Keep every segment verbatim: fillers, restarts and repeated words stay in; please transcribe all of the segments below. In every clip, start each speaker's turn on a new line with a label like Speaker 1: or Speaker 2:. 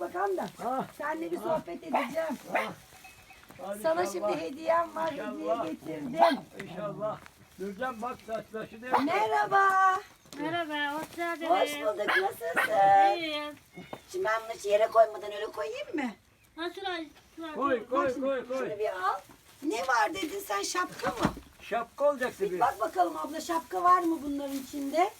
Speaker 1: bakalım da.
Speaker 2: Ha.
Speaker 1: Seninle bir
Speaker 2: Ha.
Speaker 1: sohbet edeceğim.
Speaker 2: Ha. Hadi
Speaker 1: Sana
Speaker 2: inşallah.
Speaker 1: şimdi hediyem var.
Speaker 2: İnşallah.
Speaker 1: Hediye getirdim.
Speaker 2: İnşallah. Nurcan bak saçbaşı değil.
Speaker 1: Merhaba.
Speaker 3: Merhaba, hoş geldiniz.
Speaker 1: Hoş bulduk. Nasılsın?
Speaker 3: İyiyim.
Speaker 1: Şimdi ben bunu yere koymadan öyle koyayım mı?
Speaker 3: Ha şuraya, şuraya.
Speaker 2: Koy
Speaker 1: Bak
Speaker 2: koy
Speaker 1: şimdi,
Speaker 2: koy koy.
Speaker 1: Şunu bir al. Ne var dedin sen, şapka mı?
Speaker 2: Şapka olacaktı
Speaker 1: Bir
Speaker 2: bir.
Speaker 1: bak bakalım abla, şapka var mı bunların içinde?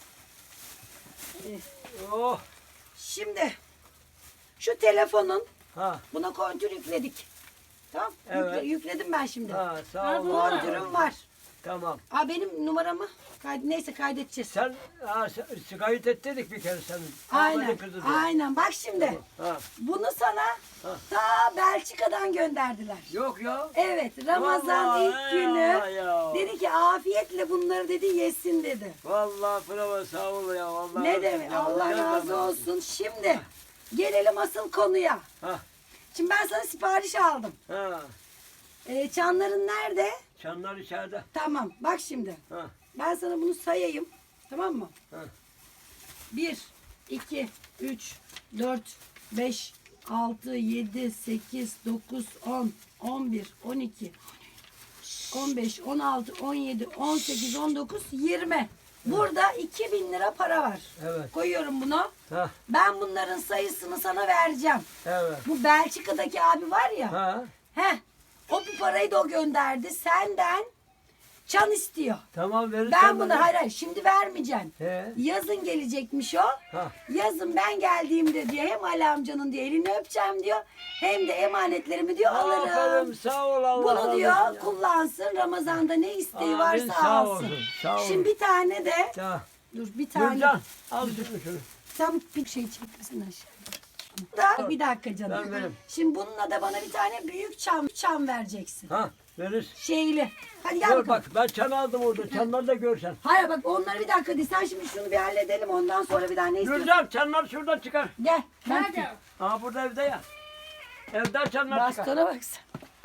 Speaker 2: Oh.
Speaker 1: Şimdi şu telefonun,
Speaker 2: Ha.
Speaker 1: buna kontür yükledik. Tamam.
Speaker 2: Evet.
Speaker 1: Yükle- yükledim ben şimdi.
Speaker 2: Ha sağ
Speaker 3: Ha,
Speaker 2: ol.
Speaker 3: bu
Speaker 1: Kontürüm var.
Speaker 2: Tamam.
Speaker 1: Aa, benim numaramı kaydet, neyse kaydedeceğiz.
Speaker 2: Sen ha, sen- kayıt ettirdik bir kere senin.
Speaker 1: Aynen.
Speaker 2: Ahmet'in kızı diye.
Speaker 1: Aynen. Bak şimdi.
Speaker 2: Ha.
Speaker 1: Bunu sana
Speaker 2: Ha.
Speaker 1: ta Belçika'dan gönderdiler.
Speaker 2: Yok ya.
Speaker 1: Evet, Ramazan
Speaker 2: Vallahi
Speaker 1: ilk günü
Speaker 2: ya, ya.
Speaker 1: dedi ki afiyetle bunları dedi yesin dedi.
Speaker 2: Vallahi bravo sağ ol ya. Vallahi
Speaker 1: Ne demek?
Speaker 2: Ya,
Speaker 1: Allah
Speaker 2: güzel
Speaker 1: razı
Speaker 2: zaman.
Speaker 1: olsun. Şimdi gelelim asıl konuya.
Speaker 2: Ha.
Speaker 1: Şimdi ben sana sipariş aldım.
Speaker 2: Ha.
Speaker 1: Ee, çanların nerede?
Speaker 2: Çanlar içeride.
Speaker 1: Tamam. Bak şimdi.
Speaker 2: Ha.
Speaker 1: Ben sana bunu sayayım. Tamam mı?
Speaker 2: Ha.
Speaker 1: bir, iki, üç, dört, beş, altı, yedi, sekiz, dokuz, on, on bir, on iki, on beş, on altı, on yedi, on sekiz, on dokuz, yirmi. Burada iki bin lira para var.
Speaker 2: Evet.
Speaker 1: Koyuyorum bunu.
Speaker 2: Ha.
Speaker 1: Ben bunların sayısını sana vereceğim.
Speaker 2: Evet.
Speaker 1: Bu Belçika'daki abi var ya.
Speaker 2: Ha.
Speaker 1: Heh. O bu parayı da o gönderdi. Senden çan istiyor.
Speaker 2: Tamam verirsen.
Speaker 1: Ben bunu
Speaker 2: bana.
Speaker 1: hayır hayır şimdi vermeyeceğim.
Speaker 2: He.
Speaker 1: Yazın gelecekmiş o.
Speaker 2: Ha.
Speaker 1: Yazın ben geldiğimde diyor hem Ali amcanın diyor elini öpeceğim diyor. Hem de emanetlerimi diyor alırım.
Speaker 2: Aferin sağ ol Allah
Speaker 1: Bunu
Speaker 2: razı
Speaker 1: diyor
Speaker 2: olsun ya.
Speaker 1: kullansın. Ramazan'da ne isteği
Speaker 2: Amin,
Speaker 1: varsa
Speaker 2: sağ
Speaker 1: alsın.
Speaker 2: olsun, sağ olun.
Speaker 1: Şimdi bir tane de
Speaker 2: Ya.
Speaker 1: dur bir tane.
Speaker 2: Nurcan al şunu şunu.
Speaker 1: Sen bir şey çekmesin aşağı. Da bir dakika canım.
Speaker 2: Ben veririm.
Speaker 1: Şimdi bununla da bana bir tane büyük çam çam vereceksin.
Speaker 2: Ha verir.
Speaker 1: Şeyli. Hadi gel
Speaker 2: Gör
Speaker 1: bakalım.
Speaker 2: bak ben çan aldım orada. Çanları da görsen.
Speaker 1: Hayır bak onları bir dakika değil. Sen şimdi şunu bir halledelim. Ondan sonra bir daha ne istiyorsun?
Speaker 2: Nurcan çanlar şuradan çıkar.
Speaker 1: Gel. ben-
Speaker 3: Nerede?
Speaker 2: Aa burada evde ya. Evden çanlar çıkar.
Speaker 1: Bastona baksana.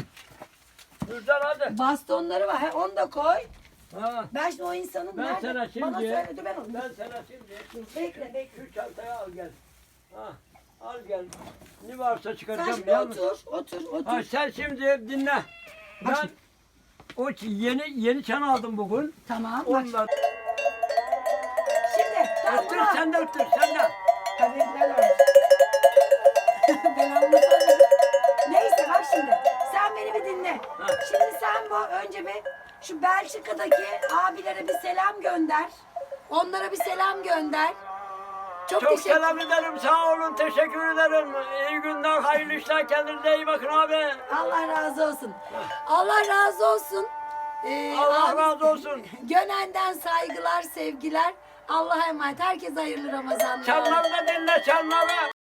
Speaker 2: Nurcan hadi.
Speaker 1: Bastonları var. He, onu da koy.
Speaker 2: Ha.
Speaker 1: Ben şimdi o insanın
Speaker 2: Ben
Speaker 1: nerede?
Speaker 2: sana şimdi.
Speaker 1: Bana söyle dur ben onu.
Speaker 2: Ben sana şimdi.
Speaker 1: Bekle bekle.
Speaker 2: Şu çantayı al gel. Ha. Al gel. Ne varsa
Speaker 1: Sen
Speaker 2: çıkaracağım.
Speaker 1: şimdi
Speaker 2: yalnız.
Speaker 1: otur, otur, otur.
Speaker 2: Ha, sen şimdi dinle.
Speaker 1: Bak
Speaker 2: Ben o ç- yeni yeni çan aldım bugün.
Speaker 1: Tamam. Bak.
Speaker 2: Onlar.
Speaker 1: Şimdi. Tamam.
Speaker 2: Öttür
Speaker 1: bunu al.
Speaker 2: sen de öttür sen de.
Speaker 1: Tabii ben öyle. Ben onu söyledim. Neyse bak şimdi. Sen beni bir dinle.
Speaker 2: Ha.
Speaker 1: Şimdi sen bu önce bir şu Belçika'daki abilere bir selam gönder. Onlara bir selam gönder. Çok,
Speaker 2: Çok
Speaker 1: teşekkür
Speaker 2: selam ederim. Sağ olun. Teşekkür ederim. İyi günler. Hayırlı işler. Kendinize iyi bakın abi.
Speaker 1: Allah razı olsun. Allah razı olsun. Ee,
Speaker 2: Allah
Speaker 1: abi-
Speaker 2: razı olsun.
Speaker 1: Gönen'den saygılar, sevgiler. Allah'a emanet. Herkese hayırlı Ramazanlar.
Speaker 2: Çanları da dinle çanları.